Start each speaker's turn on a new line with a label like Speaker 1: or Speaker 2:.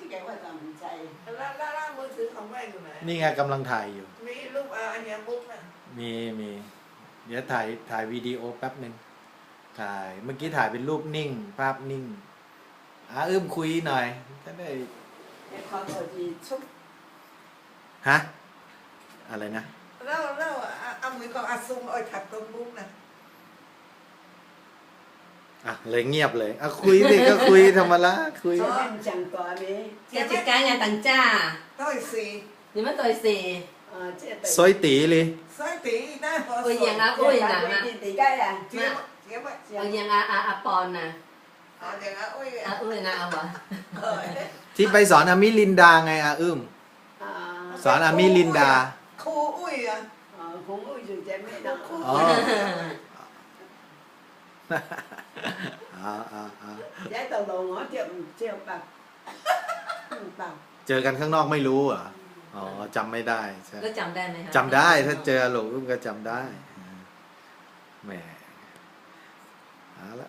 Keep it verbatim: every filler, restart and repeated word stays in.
Speaker 1: แกว่าตามใจ
Speaker 2: แล้วแล้วแล้วมือถือของแม่อยู่ไหน
Speaker 3: นี่ไงกำลังถ่ายอยู่
Speaker 2: มีรูปอันเนี้ยบุ๊กน่ะ
Speaker 3: มีมีเดี๋ยวถ่ายถ่ายวิดีโอแป๊บหนึ่งถ่ายเมื่อกี้ถ่ายเป็นรูปนิ่ง ภาพนิ่งอาอึ้มคุยหน่อยจะได้
Speaker 1: ไอ้ความพอดีชุบ
Speaker 3: ฮะอะไรนะ
Speaker 2: แล้วแล้วเอามือของอาซุงเอาถักตรงบุ๊กน่ะ
Speaker 3: อ่ะเลยเงียบเลยอ่ะคุยสิก็คุยธรรมดาคุย
Speaker 1: จะเป็นจังก่อนนี้
Speaker 4: Chị chị cái nhà tầng cha
Speaker 2: ต้อยสี
Speaker 4: nhưng mà tôi xì
Speaker 1: เออเจ๊ไป
Speaker 3: ซอยตีเลย
Speaker 2: สายตีหน้าพอ
Speaker 4: ôi dạng á
Speaker 1: เจ๊
Speaker 4: ôi
Speaker 1: ไป
Speaker 4: nặng
Speaker 1: ตี
Speaker 4: à
Speaker 1: ตีได้อ่ะ
Speaker 2: เจี๊ยบเจี๊ยบ
Speaker 4: ôi dạng à à à pon nè
Speaker 2: อ๋ออย่างนั้นอุ้ย
Speaker 4: à ôi nào à
Speaker 2: เออ
Speaker 3: ที่ไปสอนอามิลินดาไงอาอึ้ม
Speaker 1: อ่า
Speaker 3: สอนอามิลินดา
Speaker 2: ครูอุ้ยอ่ะ
Speaker 1: เออคงอุ้ยอยู่ใจไม่ได้
Speaker 3: อ๋ออ่าอ่าอ่า
Speaker 1: ย้ายตลงเหรอเจียวเจียวปากปาก
Speaker 3: เจอกันข้างนอกไม่รู้เหรออ๋อจำไม่ได้ใช่
Speaker 4: có chồng đây này hả
Speaker 3: จำได้ถ้าเจอหลงอึ้มก็จำได้แหมเอาละ